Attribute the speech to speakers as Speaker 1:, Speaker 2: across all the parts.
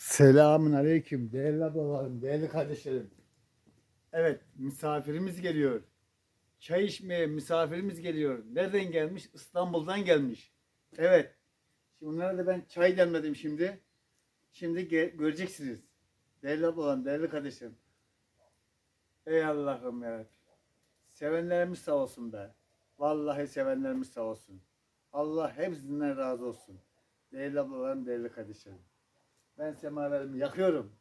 Speaker 1: Selamun aleyküm değerli ablalarım, değerli kardeşlerim. Evet, misafirimiz geliyor. Çay içmeye misafirimiz geliyor. Nereden gelmiş? İstanbul'dan gelmiş. Evet. Şimdi onlara da ben çay demledim şimdi. Şimdi göreceksiniz. Değerli ablalarım, değerli kardeşlerim. Ey Allah'ım ya. Sevenlerimiz sağ olsun be. Vallahi sevenlerimiz sağ olsun. Allah hepsinden razı olsun. Değerli ablalarım, değerli kardeşlerim. Ben semaverimi yakıyorum.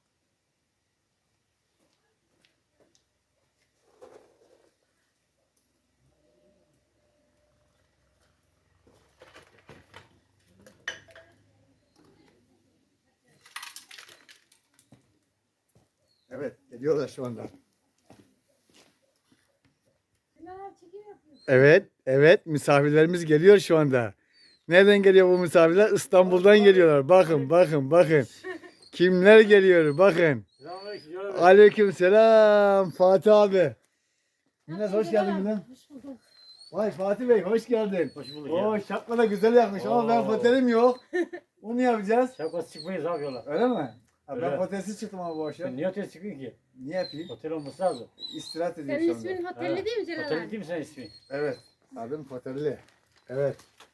Speaker 1: Evet, geliyorlar şu anda. Evet, misafirlerimiz geliyor şu anda. Nereden geliyor bu misafirler? İstanbul'dan geliyorlar. Bakın. Kimler geliyor? Bakın. Aleyküm selam Fatih abi. Minnas hoş geldin Minnas. Vay Fatih Bey hoş geldin.
Speaker 2: Hoş bulduk
Speaker 1: Oo
Speaker 2: ya.
Speaker 1: şapka da güzel yapmış ama ben fotelim yok. Onu yapacağız.
Speaker 2: Şapkası çıkmayız abi yola.
Speaker 1: Öyle mi? Ha, ben
Speaker 2: Öyle.
Speaker 1: fotelsiz çıktım ama bu akşam.
Speaker 2: Sen niye otele çıkıyorsun ki?
Speaker 1: Ne yapayım?
Speaker 2: Otel olması lazım.
Speaker 1: İstirahat edeyim
Speaker 3: Senin
Speaker 1: şu anda.
Speaker 3: ismin Hotelli değil mi Celal
Speaker 2: Otel
Speaker 3: abi?
Speaker 2: değil mi senin ismin?
Speaker 1: Evet. Adım Fotelli. Evet.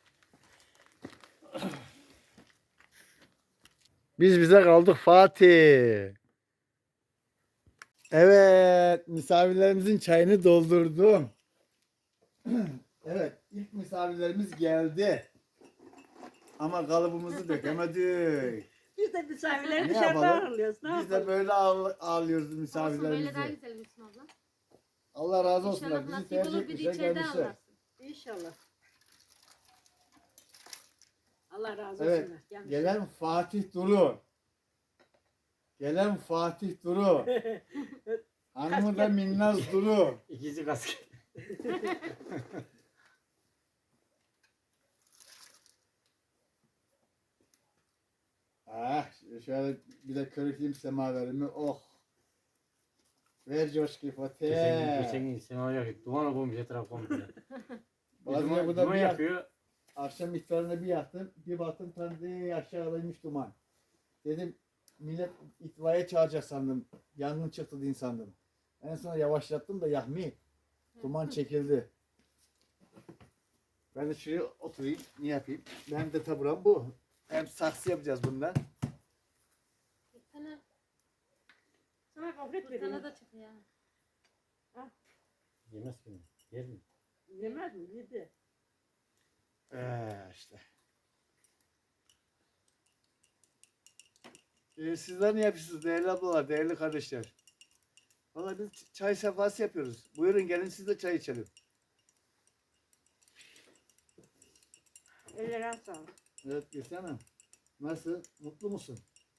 Speaker 1: Biz bize kaldık Fatih. Evet. Misafirlerimizin çayını doldurdum. Evet. İlk misafirlerimiz geldi. Ama kalıbımızı dökemedik.
Speaker 4: Biz de misafirleri
Speaker 1: Ne
Speaker 4: dışarıda
Speaker 1: yapalım?
Speaker 4: ağırlıyoruz. Ne
Speaker 1: Biz
Speaker 4: yapalım?
Speaker 1: de böyle ağırlıyoruz
Speaker 3: Olsun
Speaker 1: misafirlerimizi.
Speaker 3: böyle daha güzel Müslüm abla.
Speaker 1: Allah razı olsun.
Speaker 3: İnşallah
Speaker 1: Bizi
Speaker 3: nasip
Speaker 1: tercih
Speaker 3: olur bir de
Speaker 1: etmişler
Speaker 3: içeride
Speaker 1: gelmişler.
Speaker 3: anlarsın.
Speaker 4: İnşallah. Allah razı olsun.
Speaker 1: Evet.
Speaker 4: Gelmiş.
Speaker 1: Gelen Fatih Duru. Gelen Fatih Duru. Hanımı da Minnaz Duru.
Speaker 2: İkisi kasket.
Speaker 1: Ah, şöyle bir de körükleyeyim semaverimi. Oh. Ver coşku
Speaker 2: Geçen
Speaker 1: Fatih.
Speaker 2: gün sema yakıyor. Duman olmuş etraf komple.
Speaker 1: Bazen
Speaker 2: Duman,
Speaker 1: bu da
Speaker 2: duman
Speaker 1: bir
Speaker 2: yakıyor.
Speaker 1: akşam iftarına bir yaktım. Bir baktım tanrı aşağıdaymış duman. Dedim millet itfaiye çağıracak sandım. Yangın çıktı diye sandım. En sonra yavaşlattım da yakmayayım. Duman çekildi. Ben de şuraya oturayım. Ne yapayım? Benim de taburam bu. Hem saksı yapacağız bundan.
Speaker 3: Bir tane,
Speaker 4: Sana gofret
Speaker 3: bir tane
Speaker 4: vereyim.
Speaker 3: da çıkıyor.
Speaker 2: Yemez ki. Yer mi?
Speaker 4: Yemez mi? Yedi.
Speaker 1: İşte. Sizler ne yapıyorsunuz değerli ablalar, değerli kardeşler? Vallahi biz çay sefası yapıyoruz. Buyurun gelin siz de çay içelim.
Speaker 4: Ellerine sağlık.
Speaker 1: Evet Gülsen Hanım. Nasıl? Mutlu musun?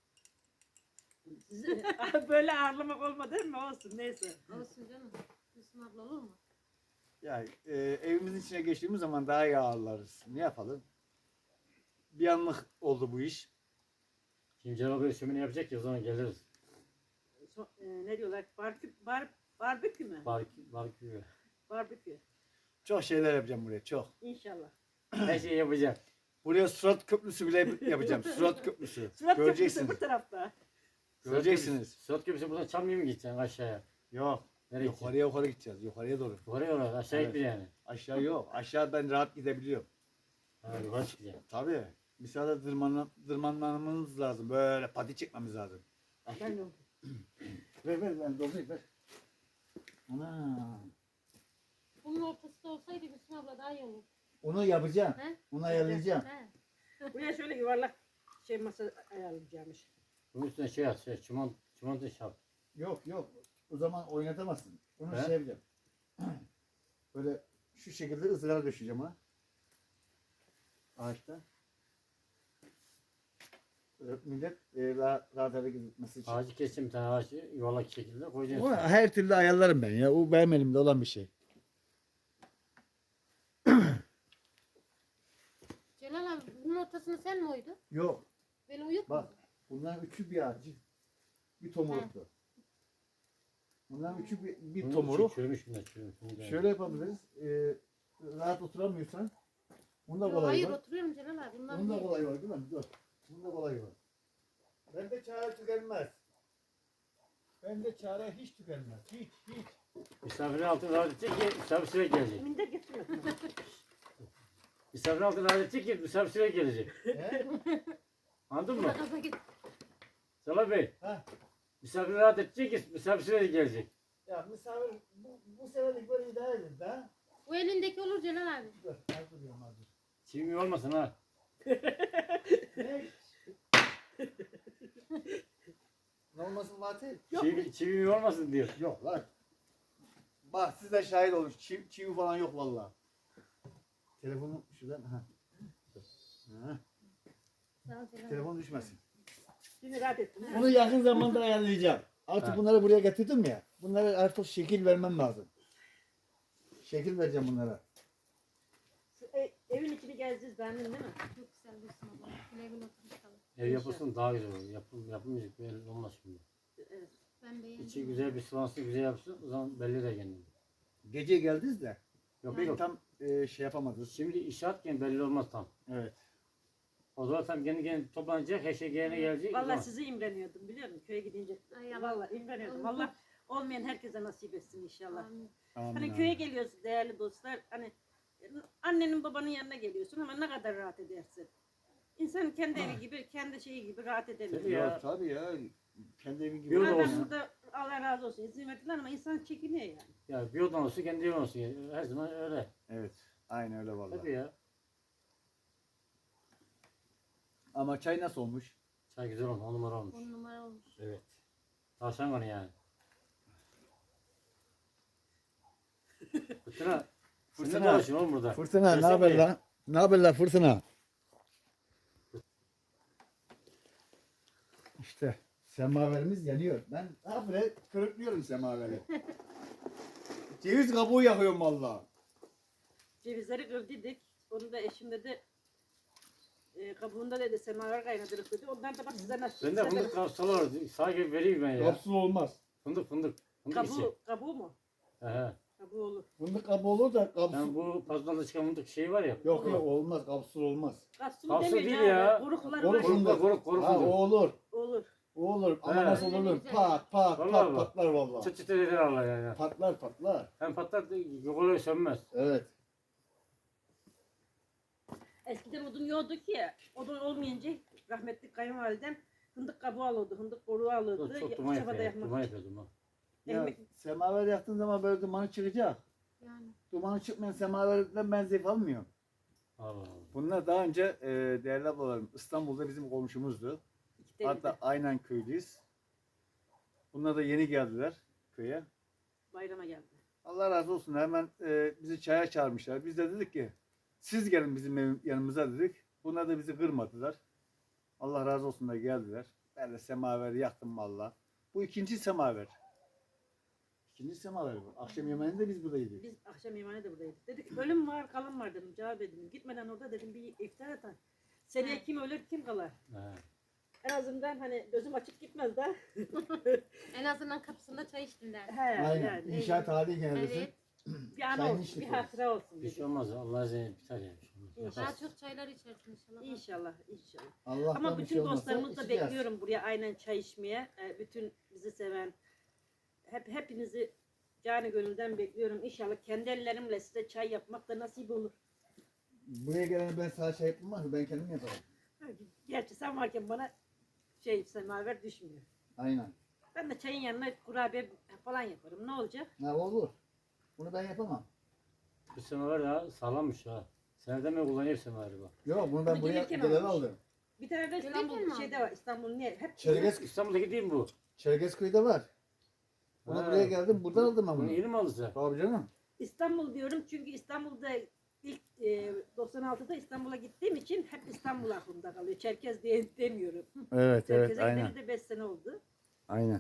Speaker 4: Böyle ağırlamak olmadı değil mi? Olsun neyse.
Speaker 3: Olsun canım. Müslüm abla olur mu?
Speaker 1: Yani evimizin içine geçtiğimiz zaman daha iyi ağırlarız. Ne yapalım? Bir anlık oldu bu iş.
Speaker 2: Şimdi Cenab-ı Hak şömine yapacak ya o zaman geliriz.
Speaker 4: Ne diyorlar? Barbekü mü?
Speaker 2: Barbekü.
Speaker 4: Barbekü.
Speaker 1: Çok şeyler yapacağım buraya, çok.
Speaker 4: İnşallah.
Speaker 2: Her şeyi yapacak.
Speaker 1: Buraya surat köprüsü bile yapacağım. Surat köprüsü.
Speaker 4: Surat
Speaker 1: Göreceksiniz.
Speaker 4: köprüsü bu tarafta.
Speaker 1: Göreceksiniz.
Speaker 2: Suat köprüsü buradan Çamlı'ya mı gideceksin aşağıya?
Speaker 1: Yok.
Speaker 2: Nereye gideceksin?
Speaker 1: Yukarıya gideceğiz. Yukarıya doğru.
Speaker 2: Yukarıya yola aşağı
Speaker 1: Evet.
Speaker 2: gitmeyeceksin yani.
Speaker 1: Aşağı yok. Aşağı ben rahat gidebiliyorum.
Speaker 2: Ha, yukarı çıkacaksın.
Speaker 1: Tabii. Misal tırmanmamız lazım. Böyle pati çekmemiz lazım.
Speaker 4: Ben de
Speaker 1: Ver ben doldurayım ver. Ana.
Speaker 3: Bunun ortasında olsaydı Müslüm abla daha iyi olur.
Speaker 1: Onu yapacağım.
Speaker 3: He?
Speaker 1: Onu ayarlayacağım.
Speaker 3: He.
Speaker 4: buraya şöyle yuvarlak masa ayarlayacağımış.
Speaker 2: Bunun üstüne şey at. Çimento şap.
Speaker 1: Yok. O zaman oynatamazsın. Onu
Speaker 2: He?
Speaker 1: şey yapacağım. Böyle şu şekilde ızgara döşeceğim ha. Ağaçta. Millet rahat hareket etmesi için.
Speaker 2: Ağacı keseceğim bir tane ağacı yuvarlak şekilde koyacaksın.
Speaker 1: O her türlü ayarlarım ben ya. O benim elimde olan bir şey.
Speaker 3: Celal abi bunun ortasını sen mi oydun?
Speaker 1: Yok.
Speaker 3: Beni uyut
Speaker 1: Bak.
Speaker 3: mu?
Speaker 1: Bunların üçü bir ağacı. Bir tomuruktu. Bunların üçü bir
Speaker 2: Bunun
Speaker 1: tomuruk.
Speaker 2: içi çürümüş bunlar çürümüş. Bunu da-
Speaker 1: Şöyle yapabiliriz. Rahat oturamıyorsan bunda
Speaker 3: Yok,
Speaker 1: kolay
Speaker 3: hayır
Speaker 1: var.
Speaker 3: oturuyorum Celal abi. Bunlar
Speaker 1: Bunda
Speaker 3: değil.
Speaker 1: kolay var değil mi? Dur. Bunda kolay var. Ben de çare tükenmez. Bende çare hiç tükenmez. Hiç.
Speaker 2: Misafirin altını rahat edecek ki misafir sürekli gelecek.
Speaker 4: Minder getirmedim.
Speaker 2: Misafirin altını rahat edecek ki misafir sürekli gelecek.
Speaker 1: He?
Speaker 2: Anladın mı?
Speaker 3: Gaza git.
Speaker 2: Salih Bey.
Speaker 1: Ha.
Speaker 2: Misafir rahat edecek ki misafir sürekli gelecek.
Speaker 1: Ya misafir bu seferlik böyle idare edin de.
Speaker 3: O elindeki olur Celal abi.
Speaker 1: Dur. Hazır diyorum hazır.
Speaker 2: Çivi olmasın ha.
Speaker 1: Ne? Ne olmasın Fatih?
Speaker 2: Çivi olmasın diyor.
Speaker 1: Yok lan. Bak siz de şahit olun. Çivi falan yok vallahi. Telefonum şuradan. Ha. Ha.
Speaker 3: Sağ ol Celal abi.
Speaker 1: Telefon düşmesin.
Speaker 4: Şimdi rahat ettim.
Speaker 1: Bunu yakın zamanda ayarlayacağım. Artık
Speaker 2: Ha.
Speaker 1: bunları buraya getirdim ya. Bunlara artık şekil vermem lazım. Şekil vereceğim bunlara.
Speaker 4: Evin içini gezeceğiz beğendin değil mi?
Speaker 3: Çok güzel Gülsüm abla. Güle güle otur inşallah.
Speaker 2: Ev yapılsın daha güzel olur. Yapılmayacak belli olmaz şimdi.
Speaker 4: Evet.
Speaker 3: Ben beğendim.
Speaker 2: İçi güzel bir sıvansı güzel yapsın. O zaman belli de kendini.
Speaker 1: Gece geldiniz de.
Speaker 2: Yok
Speaker 1: Pek
Speaker 2: yok.
Speaker 1: tam şey yapamadınız.
Speaker 2: Şimdi inşaatken belli olmaz tam.
Speaker 1: Evet.
Speaker 2: O zaman tam kendi toplanacak. Her şey yerine gelecek. o
Speaker 4: Vallahi
Speaker 2: zaman.
Speaker 4: sizi imreniyordum biliyor musun? Köye gidince.
Speaker 3: Ay Allah.
Speaker 4: Vallahi imreniyordum. Allah olmayan herkese nasip etsin inşallah.
Speaker 3: Amin.
Speaker 1: Amin,
Speaker 4: Hani
Speaker 1: amin.
Speaker 4: köye geliyoruz değerli dostlar. Hani annenin babanın yanına geliyorsun ama ne kadar rahat edersin. İnsan kendi evi gibi, kendi şeyi gibi rahat edemiyor.
Speaker 2: Tabii
Speaker 1: Ya,
Speaker 2: ya.
Speaker 1: tabii ya. Kendi evin gibi.
Speaker 2: Bir oda
Speaker 4: Madem
Speaker 2: olsun.
Speaker 4: burada Allah razı olsun izin verdiler ama insan çekiniyor yani.
Speaker 2: Ya bir odan olsun kendi evin olsun. Her zaman öyle.
Speaker 1: Evet. Aynen öyle vallahi.
Speaker 2: Tabii ya.
Speaker 1: Ama çay nasıl olmuş?
Speaker 2: Çay güzel olmuş. 10 numara olmuş.
Speaker 3: 10 numara olmuş.
Speaker 2: Evet. Tavşan kanı yani. Fırtına. Fırtına
Speaker 1: Fırtına.
Speaker 2: dolaşıyor oğlum burada.
Speaker 1: Fırtına ne
Speaker 2: Gelsene
Speaker 1: haber
Speaker 2: buraya.
Speaker 1: lan? Ne haber lan Fırtına? İşte semaverimiz yanıyor. Ben habire kırıklıyorum semaveri. Ceviz kabuğu yakıyorum valla.
Speaker 4: Cevizleri kırdıydık. Onu da eşim dedi kabuğunda dedi semaver kaynatırız dedi. Ondan da bak size nasıl.
Speaker 2: Bende fındık kapsalı var. Sahi vereyim ben ya.
Speaker 1: Kapsül olmaz.
Speaker 2: Fındık. Fındık içi.
Speaker 4: Kabuğu mu?
Speaker 2: He.
Speaker 4: Kabuğu olur.
Speaker 1: Fındık kabuğu olur da kapsül.
Speaker 2: Yani bu pazarda çıkan fındık şeyi var ya.
Speaker 1: Yok olmaz kapsül olmaz.
Speaker 4: Kapsül
Speaker 2: Kapsül
Speaker 4: demeyin
Speaker 2: değil
Speaker 4: ya.
Speaker 2: ya.
Speaker 4: Koruklar
Speaker 1: Koruk
Speaker 4: var.
Speaker 1: fındık.
Speaker 2: Koruk
Speaker 1: Ha
Speaker 2: fındık.
Speaker 1: o olur.
Speaker 4: Olur.
Speaker 1: O olur ama
Speaker 2: He.
Speaker 1: nasıl olur? Pat pat
Speaker 2: Vallahi
Speaker 1: pat
Speaker 2: bak.
Speaker 1: patlar valla.
Speaker 2: Çıt çıt eder Allah yani.
Speaker 1: Patlar patlar.
Speaker 2: Hem patlar yok oluyor sönmez.
Speaker 1: Evet.
Speaker 4: Eskiden odun yoktu ki. Odun olmayınca rahmetli kayınvalidem fındık kabuğu alırdı. Fındık koruğu alırdı.
Speaker 2: Çok duman
Speaker 4: Çabada
Speaker 2: yapıyor.
Speaker 4: yakmak
Speaker 2: Duman
Speaker 4: için.
Speaker 2: yapıyor duman.
Speaker 1: Ya
Speaker 4: Ekmek-
Speaker 1: semaver yaktığın zaman böyle dumanı çıkacak.
Speaker 3: Yani.
Speaker 1: Dumanı çıkmayan semaverden ben zevk almıyorum.
Speaker 2: Allah Allah.
Speaker 1: Bunlar daha önce değerli ablalarım İstanbul'da bizim komşumuzdu.
Speaker 4: İki tane
Speaker 1: Hatta aynen köylüyüz. Bunlar da yeni geldiler köye.
Speaker 4: bayrama geldi.
Speaker 1: Allah razı olsun hemen bizi çaya çağırmışlar. Biz de dedik ki siz gelin bizim yanımıza dedik. Bunlar da bizi kırmadılar. Allah razı olsun da geldiler. Ben de semaveri yaktım valla. Bu ikinci semaver. İkinci semaver bu. Akşam yemeğinde biz burada yedik.
Speaker 4: Biz akşam yemeğine de buradaydık. Dedik ölüm var kalım var dedim. Cevap dedim. Gitmeden orada dedim bir iftar et. Seneye kim ölür kim kalır.
Speaker 2: He.
Speaker 4: En azından hani gözüm açık gitmez de.
Speaker 3: En azından kapısında çay içtin der.
Speaker 4: He,
Speaker 1: Aynen.
Speaker 4: yani.
Speaker 1: İnşaat hali geneldesin.
Speaker 3: Evet.
Speaker 4: Bir an
Speaker 1: Çayını
Speaker 4: olsun,
Speaker 1: içtik
Speaker 4: bir
Speaker 1: orada.
Speaker 4: hatıra olsun
Speaker 2: Bir şey
Speaker 4: dedim.
Speaker 2: olmaz. Allah izniyle biter yani. Bir şey olmaz.
Speaker 4: İnşallah.
Speaker 3: Daha
Speaker 2: Yaparsın.
Speaker 3: çok çaylar içersin inşallah.
Speaker 4: İnşallah, inşallah.
Speaker 1: Allah'tan
Speaker 4: Ama
Speaker 1: bir
Speaker 4: bütün
Speaker 1: şey olmazsa
Speaker 4: dostlarımızı da
Speaker 1: içeceğiz.
Speaker 4: bekliyorum buraya aynen çay içmeye. Bütün bizi seven, hepinizi canı gönülden bekliyorum. İnşallah kendi ellerimle size çay yapmak da nasip olur.
Speaker 1: Buraya gelen ben sana şey yapmam ama ben kendim yaparım.
Speaker 4: Gerçi sen varken bana semaver düşmüyor.
Speaker 1: Aynen.
Speaker 4: Ben de çayın yanına kurabiye falan yaparım. Ne olacak?
Speaker 1: Ne olur. Bunu ben yapamam.
Speaker 2: Bu semaver ya sağlammış ha. Seneden mi kullanıyor semaveri bu?
Speaker 1: Yok bunu ben
Speaker 4: Bunu
Speaker 1: buraya
Speaker 4: gelirken
Speaker 1: gelen
Speaker 4: almış.
Speaker 1: aldım.
Speaker 4: Bir tane de
Speaker 3: Gelirken
Speaker 4: İstanbul
Speaker 3: mi
Speaker 4: şeyde
Speaker 3: aldın?
Speaker 4: var. İstanbul niye? Hep
Speaker 2: İstanbul'daki değil mi bu?
Speaker 1: Çerkezköy'de var. Bunu
Speaker 2: Ha.
Speaker 1: buraya geldim buradan aldım ben
Speaker 2: Bunu
Speaker 1: bunu.
Speaker 2: yeni mi aldın sen?
Speaker 1: Tabii canım.
Speaker 4: İstanbul diyorum çünkü İstanbul'da ilk 96'da İstanbul'a gittiğim için hep İstanbul aklımda kalıyor. Çerkez diye demiyorum.
Speaker 1: Evet
Speaker 4: Çerkez'e gideli de 5 sene oldu.
Speaker 1: Aynen.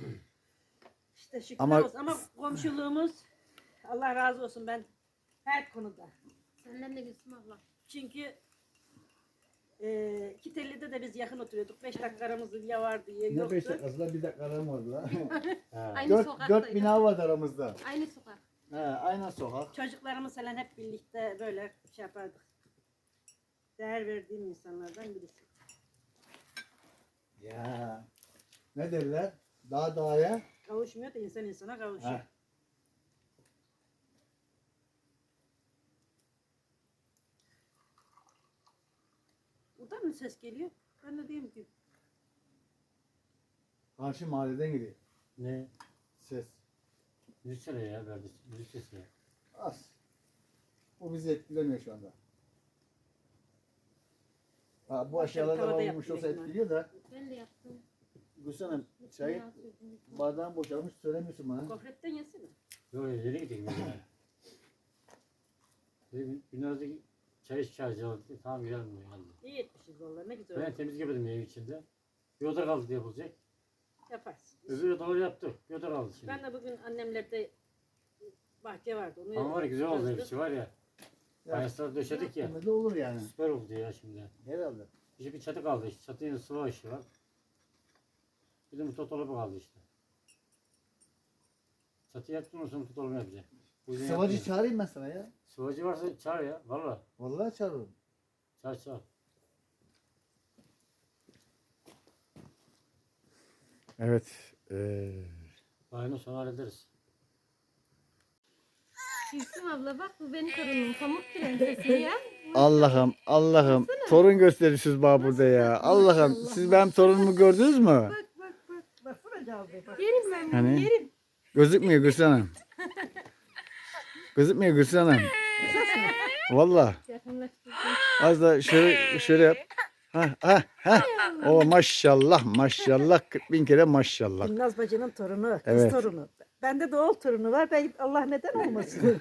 Speaker 4: İşte şükür
Speaker 1: Ama-
Speaker 4: olsun. Ama komşuluğumuz Allah razı olsun ben her konuda.
Speaker 3: Senden de Gülsüm abla.
Speaker 4: Çünkü Kitelli'de de biz yakın oturuyorduk. 5 dakika aramızda ya vardı ya
Speaker 1: Ne
Speaker 4: yoktu.
Speaker 1: 5 dakikası lan bir dakika aram vardı lan.
Speaker 2: He.
Speaker 3: Aynı
Speaker 1: 4
Speaker 3: sokaktaydık.
Speaker 1: bina var aramızda.
Speaker 3: Aynı sokak.
Speaker 1: He, aynen sokak.
Speaker 4: Çocuklarımız falan hep birlikte böyle şey yapardık. Değer verdiğim insanlardan birisi.
Speaker 1: Ya Ne derler? Dağ dağa.
Speaker 4: Kavuşmuyor da insan insana kavuşuyor.
Speaker 1: Heh.
Speaker 4: Buradan mı ses geliyor? Ben de diyeyim ki
Speaker 1: Karşı mahalleden geliyor
Speaker 2: Ne?
Speaker 1: ses.
Speaker 2: Müzisyen ya verdi. Müzisyen ya.
Speaker 1: Az. Bu bizi etkilemiyor şu anda. Ha, bu aşağılarda
Speaker 4: tavada
Speaker 1: olmuş
Speaker 4: yaptım
Speaker 1: olsa
Speaker 4: ekmeği.
Speaker 1: etkiliyor da.
Speaker 3: Ben de yaptım.
Speaker 1: Gülsün Hanım çayı
Speaker 3: Yağ sürdüm.
Speaker 1: bardağın boşalmış söylemiyorsun bana.
Speaker 4: gofretten yesene.
Speaker 2: Yok yeni gittik mesela. Günlerce çay içeceğiz aldı. Tamam gidelim mi? Yani.
Speaker 4: İyi etmişiz vallahi ne güzel
Speaker 2: Ben
Speaker 4: oldu.
Speaker 2: temiz yapıyordum ev içinde. Bir oda kaldı diye bulacak.
Speaker 4: Yaparsın.
Speaker 2: Öbür odaları yaptık. Bir oda kaldı şimdi.
Speaker 4: Ben de bugün annemlerde bahçe vardı. Onu
Speaker 2: Ama var ya güzel oldu
Speaker 4: kazdık.
Speaker 2: hepsi var ya. Fayanslar döşedik ya.
Speaker 1: Ne de olur yani.
Speaker 2: Süper oldu ya şimdi.
Speaker 1: Herhalde.
Speaker 2: İşte bir çatı kaldı işte. Çatının sıva işi var. Bir de mutfak dolabı kaldı işte. Çatı yaptın mı sonra mutfak dolabı yapacak. Bu yüzden
Speaker 1: Sıvacı
Speaker 2: yapmıyor.
Speaker 1: çağırayım ben sana ya.
Speaker 2: Sıvacı varsa çağır ya. Valla.
Speaker 1: Vallahi çağırırım.
Speaker 2: Çağır.
Speaker 1: Evet.
Speaker 2: Aynı sonra hallederiz.
Speaker 3: Gülsüm abla bak bu benim torunum. Pamuk prensesi ya.
Speaker 1: Allah'ım. Torun gösteriyorsunuz bana burada ya. Allah'ım. Siz benim torunumu gördünüz mü?
Speaker 4: Baksana Cavbe bak.
Speaker 3: Yerim ben bunu
Speaker 1: Hani?
Speaker 3: yerim.
Speaker 1: Gözükmüyor Gülsün Hanım. Gözükmüyor Gülsün Hanım. Valla.
Speaker 3: Yakınlaştırdım.
Speaker 1: Az da şöyle yap. Ha. O maşallah 40.000 kere maşallah.
Speaker 4: Binnaz bacının torunu, kız
Speaker 1: Evet.
Speaker 4: torunu. Bende de oğul torunu var. Ben Allah neden olmasın?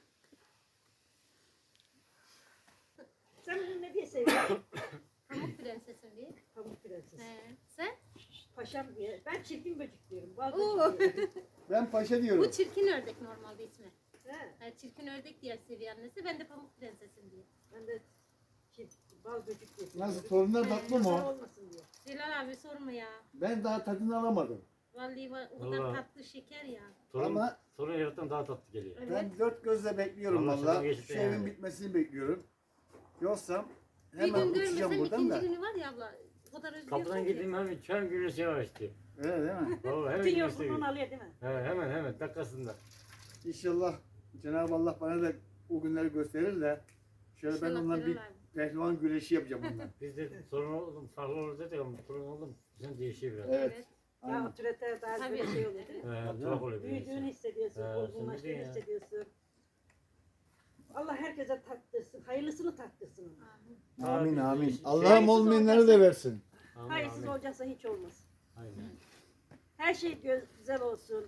Speaker 4: Sen bunu ne diye seviyorsun?
Speaker 3: Pamuk prensesim diye.
Speaker 4: Pamuk prenses.
Speaker 3: Sen?
Speaker 4: Paşam diye. Ben çirkin böcek diyorum. Bal
Speaker 3: Oo.
Speaker 4: böcek diyorum.
Speaker 1: Ben paşa diyorum.
Speaker 3: Bu çirkin ördek normalde ismi.
Speaker 4: He,
Speaker 3: Ha, çirkin ördek diye seviyor annesi. Ben de pamuk prensesim diye.
Speaker 4: ben de bal böcek diye
Speaker 1: Nasıl
Speaker 4: seviyorum.
Speaker 1: torunlar tatlı
Speaker 4: Nazar
Speaker 1: mı?
Speaker 4: olmasın diye.
Speaker 3: Celal abi sorma ya.
Speaker 1: Ben daha tadını alamadım.
Speaker 3: Vallahi o kadar
Speaker 2: Vallahi.
Speaker 3: tatlı şeker ya.
Speaker 2: Torun yarattan daha tatlı geliyor.
Speaker 3: Evet.
Speaker 1: Ben dört gözle bekliyorum
Speaker 2: Vallahi
Speaker 1: valla.
Speaker 2: sana geçti
Speaker 1: Şu
Speaker 2: yani.
Speaker 1: evin bitmesini bekliyorum. Yoksa
Speaker 3: Bir
Speaker 1: hemen
Speaker 3: gün
Speaker 1: uçacağım
Speaker 3: görmesem
Speaker 1: buradan
Speaker 3: ikinci
Speaker 1: da.
Speaker 3: günü var ya abla. O kadar özlüyorsun
Speaker 2: Kapıdan
Speaker 3: ki.
Speaker 2: girdiğim hemen çön gülüsü yavaştı.
Speaker 1: Öyle değil mi?
Speaker 2: Valla hemen
Speaker 4: Bütün
Speaker 2: gülüsü
Speaker 4: yorgunluğunu
Speaker 2: geliyor.
Speaker 4: alıyor değil mi?
Speaker 2: Hemen dakikasında.
Speaker 1: İnşallah Cenab-ı Allah bana da o günleri gösterir de şöyle ben
Speaker 3: İnşallah
Speaker 1: ondan bir
Speaker 3: Celal abi.
Speaker 1: pehlivan güreşi yapacağım ondan.
Speaker 2: Biz de sorun oldum, farklı olur dedik ama sorun oldum. Bizim değişiyor biraz.
Speaker 1: Evet.
Speaker 4: Ya
Speaker 1: Aynen.
Speaker 4: otorite daha
Speaker 3: Tabii.
Speaker 4: böyle şey oluyor değil mi?
Speaker 2: Tuhaf oluyor bir
Speaker 4: Büyüdüğünü
Speaker 2: şey.
Speaker 4: hissediyorsun,
Speaker 2: He,
Speaker 4: olgunlaştığını
Speaker 2: şimdi ya.
Speaker 4: hissediyorsun. Allah herkese tattırsın, hayırlısını tattırsın ona.
Speaker 3: Amin.
Speaker 1: Amin.
Speaker 2: Şey-
Speaker 1: Allah'ım
Speaker 4: Hayırsız
Speaker 1: olmayanları da
Speaker 4: olacaksa-
Speaker 1: versin.
Speaker 2: Amin,
Speaker 4: Hayırsız
Speaker 2: amin.
Speaker 4: olacaksa hiç olmaz.
Speaker 2: Aynen.
Speaker 4: Her şey güzel olsun.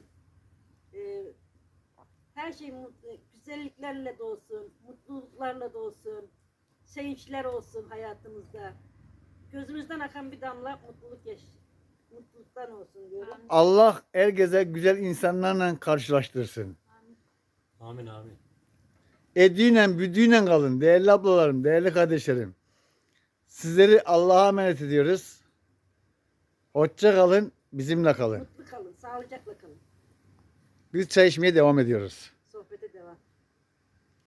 Speaker 4: Her şey güzelliklerle de olsun, mutluluklarla da olsun. Sevinçler olsun hayatımızda. Gözümüzden akan bir damla mutluluktan olsun diyorum.
Speaker 3: Amin.
Speaker 1: Allah herkese güzel insanlarla karşılaştırsın.
Speaker 2: Amin amin.
Speaker 1: Ediyle büdüğüyle kalın değerli ablalarım, değerli kardeşlerim. Sizleri Allah'a emanet ediyoruz. Hoşça kalın, bizimle kalın.
Speaker 4: Mutlu kalın, sağlıcakla kalın.
Speaker 1: Biz çay içmeye devam ediyoruz.